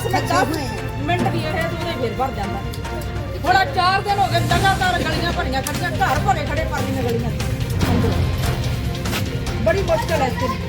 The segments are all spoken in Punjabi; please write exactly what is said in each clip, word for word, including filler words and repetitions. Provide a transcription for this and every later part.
ਮਿੰਟ ਦਸ ਮਿੰਟ ਵੀ ਇਹ ਉਹਦੇ ਫਿਰ ਭਰ ਜਾਂਦਾ। ਹੁਣ ਚਾਰ ਦਿਨ ਹੋ ਗਏ ਲਗਾਤਾਰ ਗਲੀਆਂ ਭਰੀਆਂ ਖੜੀਆਂ, ਘਰ ਭਰੇ ਖੜੇ ਪਾਣੀ ਦੀਆਂ ਗਲੀਆਂ ਅੰਦਰੋਂ। ਬੜੀ ਮੁਸ਼ਕਲ ਹੈ ਇੱਥੇ।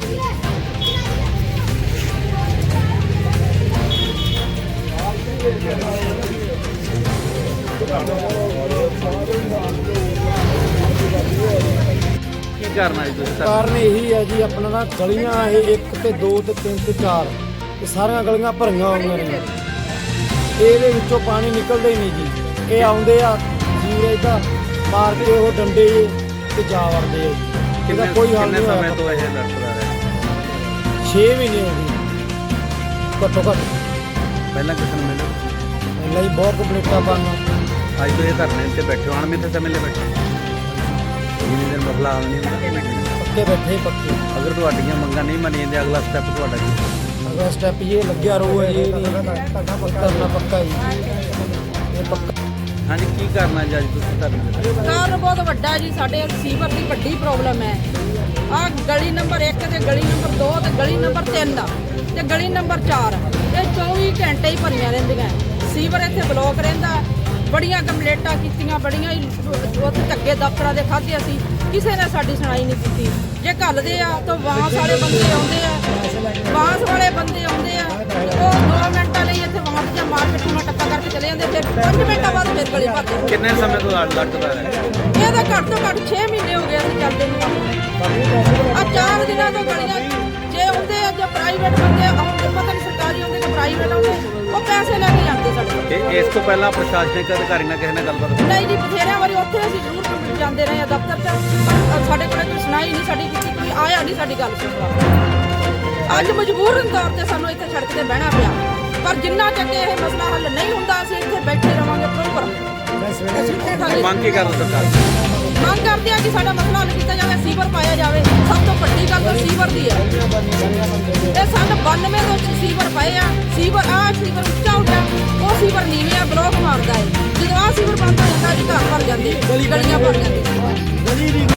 ਕੀ ਕਰਨਾ ਜੀ ਤੁਸੀਂ? ਕਾਰਨ ਇਹੀ ਹੈ ਜੀ, ਆਪਣਾ ਨਾ ਗਲੀਆਂ ਇਹ ਇੱਕ ਤੇ ਦੋ ਤੇ ਤਿੰਨ ਤੇ ਚਾਰ, ਇਹ ਸਾਰੀਆਂ ਗਲੀਆਂ ਭਰੀਆਂ ਹੋਈਆਂ ਨੇ। ਇਹਦੇ ਵਿੱਚੋਂ ਪਾਣੀ ਨਿਕਲਦਾ ਹੀ ਨਹੀਂ ਜੀ। ਇਹ ਆਉਂਦੇ ਆ ਸੀਵਰੇਜ ਦਾ ਮਾਰ ਕੇ ਉਹ ਡੰਡੇ ਤੇ ਜਾ ਵੜਦੇ ਆ ਜੀ। ਇਹਦਾ ਕੋਈ ਹੱਲ ਨਹੀਂ ਸਮੇਂ ਤੋਂ ਇਹ ਲੜਦਾ ਰਿਹਾ? ਛੇ ਮਹੀਨੇ ਹੋ ਗਏ ਘੱਟੋ ਘੱਟ। ਪਹਿਲਾਂ ਕਿਸੇ ਨੂੰ ਮਿਲਿਆ? ਪਹਿਲਾਂ ਹੀ ਬਹੁਤ ਕੰਪਲੀਟਾਂ ਪਾਣਾ। ਅੱਜ ਤੋਂ ਇਹ ਧਰਨੇ ਤੇ ਬੈਠੇ ਹੋ, ਅਣਮਿੱਥੇ ਸਮੇਂ ਲਈ ਬੈਠੇ ਜਿੰਨੀ ਦੇਰ ਮਸਲਾ ਹੱਲ ਨਹੀਂ ਹੁੰਦਾ? ਪੱਕੇ ਬੈਠੇ ਪੱਕੇ। ਅਗਰ ਤੁਹਾਡੀਆਂ ਮੰਗਾਂ ਨਹੀਂ ਮੰਨੀਆਂ ਜਾਂਦੀਆਂ, ਅਗਲਾ ਸਟੈਪ ਤੁਹਾਡਾ ਕੀ? ਅਗਲਾ ਸਟੈਪ ਇਹ ਲੱਗਿਆ ਰਹੂ ਹੈ ਜੀ, ਕਰਨਾ ਪੱਕਾ ਜੀ ਇਹ ਪੱਕਾ। ਹਾਂਜੀ, ਕੀ ਕਰਨਾ ਜੀ ਅੱਜ ਤੁਸੀਂ ਧਰਨੇ ਤੇ? ਕਾਰਨ ਬਹੁਤ ਵੱਡਾ ਜੀ, ਸਾਡੇ ਸੀਵਰ ਦੀ ਵੱਡੀ ਪ੍ਰੋਬਲਮ ਹੈ। ਆਹ ਗਲੀ ਨੰਬਰ ਇੱਕ ਤੇ ਗਲੀ ਨੰਬਰ ਦੋ ਤੇ ਗਲੀ ਨੰਬਰ ਤਿੰਨ ਦਾ ਤੇ ਗਲੀ ਨੰਬਰ ਚਾਰ, ਇਹ ਚੌਵੀ ਘੰਟੇ ਹੀ ਭਰੀਆਂ ਰਹਿੰਦੀਆਂ। ਸੀਵਰ ਇੱਥੇ ਬਲੌਕ ਰਹਿੰਦਾ। ਬੜੀਆਂ ਕੰਪਲੇਂਟਾਂ ਕੀਤੀਆਂ, ਬੜੀਆਂ ਹੀ ਉੱਥੇ ਧੱਕੇ ਦਫ਼ਤਰਾਂ ਦੇ ਖਾਧੇ ਅਸੀਂ, ਕਿਸੇ ਨੇ ਸਾਡੀ ਸੁਣਾਈ ਨਹੀਂ ਕੀਤੀ। ਜੇ ਘੱਲਦੇ ਆ ਤਾਂ ਵਾਂਸ ਵਾਲੇ ਬੰਦੇ ਆਉਂਦੇ ਆ, ਵਾਂਸ ਵਾਲੇ ਬੰਦੇ ਆਉਂਦੇ ਆ, ਉਹ ਦੋ ਮਿੰਟਾਂ ਲਈ ਇੱਥੇ ਵਾਂਸ ਜਾਂ ਮਾਰ ਕੇ ਟੂਣਾ ਟੱਪਾ ਕਰਕੇ ਚਲੇ ਜਾਂਦੇ, ਫਿਰ ਪੰਜ ਮਿੰਟਾਂ ਬਾਅਦ ਫਿਰ ਗਲੀ ਭਰਦੇ। ਕਿੰਨੇ ਸਮੇਂ ਤੋਂ ਲੜ ਲੜਦਾ ਰਿਹਾ? ਇਹ ਤਾਂ ਘੱਟ ਤੋਂ ਘੱਟ ਛੇ ਮਹੀਨੇ ਹੋ ਗਏ ਅਸੀਂ ਚੱਲਦੇ ਨੂੰ। ਆ ਚਾਰ ਦਿਨਾਂ ਤੋਂ ਗਲੀਆਂ ਜੇ ਆਉਂਦੇ ਆ, ਜੇ ਪ੍ਰਾਈਵੇਟ ਬੰਦੇ ਆਉਂਦੇ, ਪਤਾ ਨਹੀਂ ਸਰਕਾਰੀ ਆਉਂਦੇ ਕਿ ਪ੍ਰਾਈਵੇਟ ਆਉਂਦੇ, ਉਹ ਪੈਸੇ ਲੈ ਕੇ ਜਾਂਦੇ ਸਾਡੇ ਕੋਲ। ਇਹ ਇਸ ਤੋਂ ਪਹਿਲਾਂ ਪ੍ਰਸ਼ਾਸਨਿਕ ਅਧਿਕਾਰੀ ਨਾਲ ਕਿਸੇ ਨਾਲ ਗੱਲਬਾਤ ਹੋਈ? ਨਹੀਂ ਜੀ, ਬਥੇਰਿਆਂ ਵਾਰੀ ਉੱਥੇ ਅਸੀਂ ਜ਼ਰੂਰ ਜਾਂਦੇ ਰਹੇ ਆ ਦਫ਼ਤਰ 'ਚ, ਪਰ ਸਾਡੇ ਕੋਲ ਕੋਈ ਸੁਣਾਈ ਨਹੀਂ ਸਾਡੀ ਕੀਤੀ, ਕੋਈ ਆਇਆ ਨਹੀਂ ਸਾਡੀ ਗੱਲ ਸੁਣਦਾ। ਅੱਜ ਮਜਬੂਰਨ ਤੌਰ ਤੇ ਸਾਨੂੰ ਇੱਥੇ ਸੜਕ ਤੇ ਬਹਿਣਾ ਪਿਆ, ਪਰ ਜਿੰਨਾ ਚੱਕ ਇਹ ਮਸਲਾ ਹੱਲ ਨਹੀਂ ਹੁੰਦਾ ਅਸੀਂ ਇੱਥੇ ਬੈਠੇ ਰਵਾਂਗੇ ਪ੍ਰੋਪਰ। ਮੰਗ ਕੀ ਕਰੋ ਸਰਕਾਰ? ਮੰਗ ਕਰਦੇ ਆ ਕਿ ਸਾਡਾ ਮਸਲਾ ਹੱਲ ਕੀਤਾ ਜਾਵੇ, ਸੀਵਰ ਪਾਇਆ ਜਾਵੇ। ਸਭ ਤੋਂ ਵੱਡੀ ਗੱਲ ਤਾਂ ਸੀਵਰ ਦੀ ਹੈ। ਇਹ ਸੰਨ ਬਾਨਵੇਂ ਤੋਂ ਸੀਵਰ ਪਾਏ ਆ। ਸੀਵਰ ਆ ਸੀਵਰ ਉੱਚਾ ਉੱਚਾ, ਉਹ ਸੀਵਰ ਨੀਵੇਂ ਆ, ਬਲੌਕ ਮਾਰਦਾ ਹੈ। ਜਦੋਂ ਆ ਸੀਵਰ ਬੰਦ ਹੋ ਜਾਂਦਾ ਜੀ, ਘਰ ਭਰ ਜਾਂਦੇ, ਗਲੀਆਂ ਭਰ ਜਾਂਦੇ।